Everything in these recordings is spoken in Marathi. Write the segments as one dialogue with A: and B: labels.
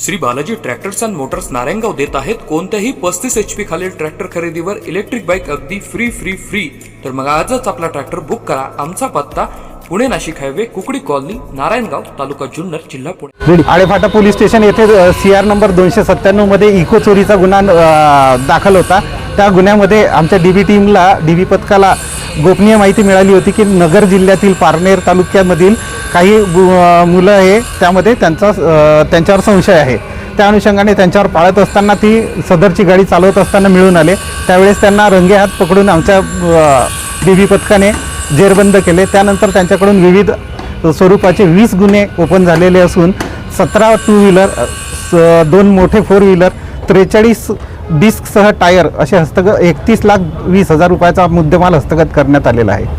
A: Shri Balaji tractors and motors Narayangaon देत आहेत कोणत्याही 35 HP खालील ट्रॅक्टर खरेदीवर इलेक्ट्रिक बाईक अगदी फ्री। तर मग आजच आपला ट्रॅक्टर बुक करा। आमचा पत्ता पुणे नाशिक हायवे कुकडी कॉलनी नारायणगाव तालुका जुन्नर जिल्हा पुणे।
B: आळेफाटा पोलीस स्टेशन येथे CR नंबर 297 मध्ये इको चोरीचा गुन्हा दाखल होता। त्या गुन्ह्यामध्ये आमच्या DB टीमला DB पथकाला गोपनीय माहिती मिळाली होती की नगर जिल्ह्यातील पारनेर तालुक्यामधील काही मुलं हे त्यामध्ये त्यांच्यावर संशय आहे। त्या अनुषंगाने त्यांच्यावर पाळत असताना ती सदरची गाडी चालवत असताना मिळून आले। त्यावेळेस त्यांना रंगेहात पकडून आमच्या DB पथकाने जेरबंद केले। त्यानंतर त्यांच्याकडून विविध स्वरूपाचे 20 गुन्हे ओपन झालेले असून 17 टू व्हीलर, 2 मोठे 4 व्हीलर, 43 डिस्कसह टायर असे 31,20,000 रुपयाचा मुद्देमाल हस्तगत करण्यात आलेला आहे।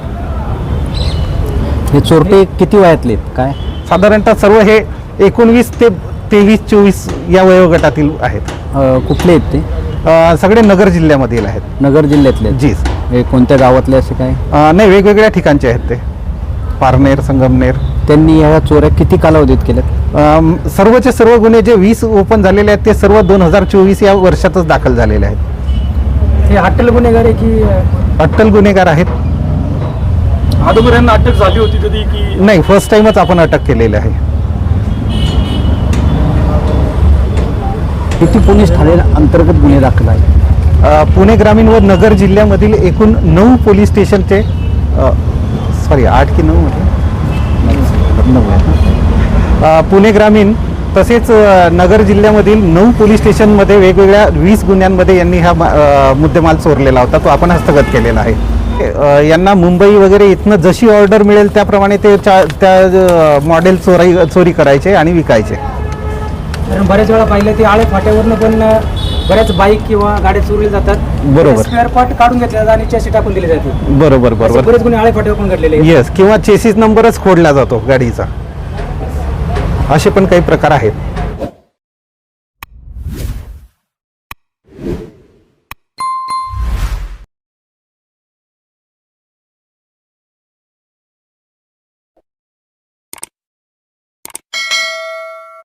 C: हे चोरटे किती वयातले काय?
B: साधारणतः सर्व हे 19 ते 23-24 या वयोगटातील आहेत।
C: कुठले आहेत ते?
B: सगळे नगर जिल्ह्यामधील आहेत।
C: नगर जिल्ह्यातले?
B: जी।
C: हे कोणत्या गावातले असे काय?
B: नाही, वेगवेगळ्या ठिकाणचे आहेत ते। पारनेर, संगमनेर।
C: त्यांनी ह्या चोऱ्या किती कालावधीत केल्यात?
B: सर्वचे सर्व गुन्हे जे 20 ओपन झालेले आहेत ते सर्व 2024 या वर्षातच दाखल झालेले आहेत।
D: हे अट्टल गुन्हेगार आहे की?
B: अट्टल गुन्हेगार आहेत।
D: अगोदर यांना अटक झाली होती कधी की
B: नाही, फर्स्ट टाइमच आपण अटक केलेली आहे।
C: किती पोलीस ठाणे अंतर्गत गुन्हे दाखल आहे?
B: पुणे ग्रामीण व नगर जिल्ह्यामधील एकूण 9 पोलीस स्टेशनचे 8 की 9 म्हटलं 9 आहे। पुणे ग्रामीण तसेच नगर जिल्ह्यामधील 9 पोलीस स्टेशनमध्ये वेगवेगळ्या 20 गुन्ह्यांमध्ये यांनी हा मुद्देमाल चोरलेला होता, तो आपण हस्तगत केलेला आहे। यांना मुंबई वगैरे इथनं जशी ऑर्डर मिळेल त्याप्रमाणे ते त्या मॉडेल चोरी करायचे आणि विकायचे।
D: कारण बऱ्याच वेळा पाहिलं ते आळे फाट्यावरनं पण बऱ्याच बाईक किंवा गाड्या चोरल्या जातात।
B: बरोबर।
D: स्पेअर पार्ट काढून घेतले जातात आणि चॅसी टाकून दिले जाते।
B: बरोबर।
D: बरेच गुन्हे आळे फाट्यावर पण घडलेले आहेत।
B: येस, किंवा चेसिस नंबरच खोडला जातो गाडीचा, असे पण काही प्रकार आहेत।